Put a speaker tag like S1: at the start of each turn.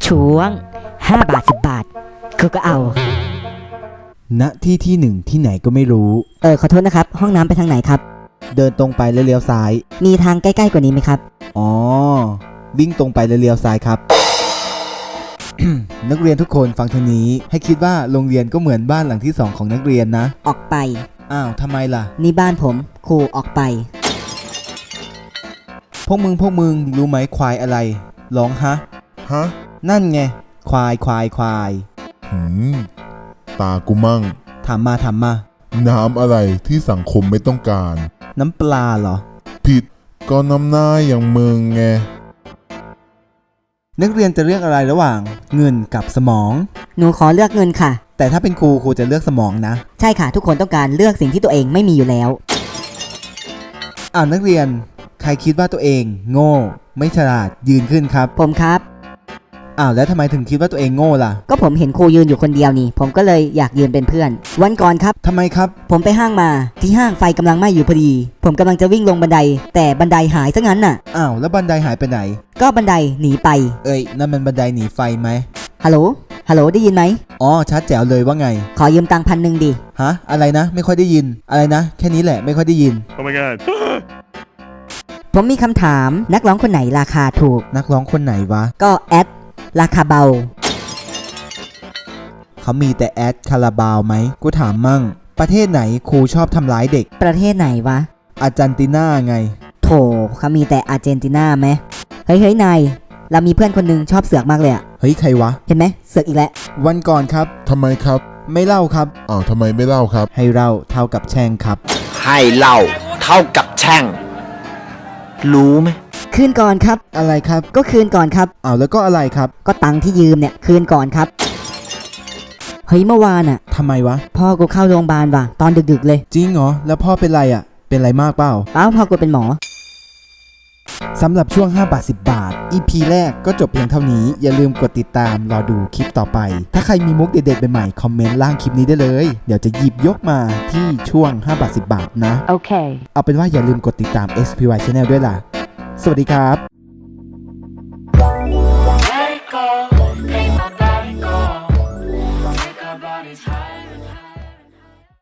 S1: ช่วง5 บาท 10 บาทกูก็เอา
S2: ณที่ที่หนึ่งที่ไหนก็ไม่รู้
S1: ขอโทษนะครับห้องน้ำไปทางไหนครับ
S2: เดินตรงไปแล้วเลี้ยวซ้าย
S1: มีทางใกล้ๆกว่านี้ไหมครับ
S2: อ๋อ วิ่งตรงไปแล้วเลี้ยวซ้ายครับ นักเรียนทุกคนฟังทางนี้ให้คิดว่าโรงเรียนก็เหมือนบ้านหลังที่2ของนักเรียนนะ
S1: ออกไป
S2: อ้าวทำไมล่ะ
S1: นี่บ้านผมครูออกไป
S2: พวกมึงรู้ไหมควายอะไรร้องฮะ
S3: ฮะ
S2: นั่นไงควาย
S3: หืม ตากูมั่ง
S2: ถามมา
S3: น้ำอะไรที่สังคมไม่ต้องการ
S2: น้ำปลาเหรอ
S3: ผิดก็น้ำหน้าอย่างมึงไง
S2: นักเรียนจะเลือกอะไรระหว่างเงินกับสมอง
S1: หนูขอเลือกเงินค่ะ
S2: แต่ถ้าเป็นครูจะเลือกสมองนะ
S1: ใช่ค่ะทุกคนต้องการเลือกสิ่งที่ตัวเองไม่มีอยู่แล้ว
S2: อ้าวนักเรียนใครคิดว่าตัวเองโง่ไม่ฉลาดยืนขึ้นครับ
S1: ผมครับ
S2: อ้าวแล้วทำไมถึงคิดว่าตัวเองโง่ล่ะ
S1: ก็ผมเห็นครูยืนอยู่คนเดียวนี่ ผมก็เลยอยากยืนเป็นเพื่อน วันก่อนครับ
S2: ทำไมครับ
S1: ผมไปห้างมาที่ห้างไฟกำลังไหม้อยู่พอดี ผมกำลังจะวิ่งลงบันได แต่บันไดหายซะงั้นน่ะ
S2: อ้าวแล้วบันไดหายไปไหน
S1: ก็บันไดหนีไป
S2: เอ้ยนั่นมันบันไดหนีไฟไหม
S1: ฮัลโหลได้ยินไหม
S2: อ๋อชัดแจ๋วเลยว่าไง
S1: ขอยืมตังค์1,000ดิ
S2: ฮะอะไรนะไม่ค่อยได้ยินอะไรนะแค่นี้แหละไม่ค่อยได้ยิน
S4: Oh my god.
S1: ผมมีคำถามนักร้องคนไหนราคาถูก
S2: นักร้องคนไหนวะ
S1: ก็แอดราคาเบา
S2: เขามีแต่แอดคาราบาวไหมกูถามมั่ง ประเทศไหนครูชอบทำร้ายเด็ก
S1: ประเทศไหนวะ
S2: อาร์เจนตินาไง
S1: โถเขามีแต่อาร์เจนตินาไหมเฮ้ยนายเรามีเพื่อนคนหนึงชอบเสือกมากเลยอะ
S2: เฮ้ยใครวะ
S1: เห็นไหมเสือกอีกแล้ว
S2: วันก่อนครับ
S3: ทำไมครับ
S2: ไม่เล่าครับ
S3: อ้าวทำไมไม่เล่าครับ
S2: ให้เล่าเท่ากับแช่งครับ
S5: ให้เหล่าเท่ากับแช่ง รู้ไหม
S1: คืนก่อนครับ
S2: อะไรครับ
S1: ก็คืนก่อนครับ
S2: อ้าวแล้วก็อะไรครับ
S1: ก็ตังค์ที่ยืมเนี่ยคืนก่อนครับเฮ้ยเมื่อวานอะ
S2: ทำไมวะ
S1: พ่อกูเข้าโรงพยาบาลว่ะตอนดึกๆเลย
S2: จริงเหรอแล้วพ่อเป็นไรอะเป็นไรมากเปล่า
S1: เอ้าพ่อกูเป็นหมอ
S2: สำหรับช่วง5 บาท 10 บาท EP แรกก็จบเพียงเท่านี้อย่าลืมกดติดตามรอดูคลิปต่อไป ถ้าใครมีมุกเด็ดๆใหม่ๆคอมเมนต์ล่างคลิปนี้ได้เลยเดี๋ยวจะหยิบยกมาที่ช่วง5 บาท 10 บาทนะ
S1: โอเค
S2: เอาเป็นว่าอย่าลืมกดติดตาม SPY Channel ด้วยล่ะ สวัสดีครับ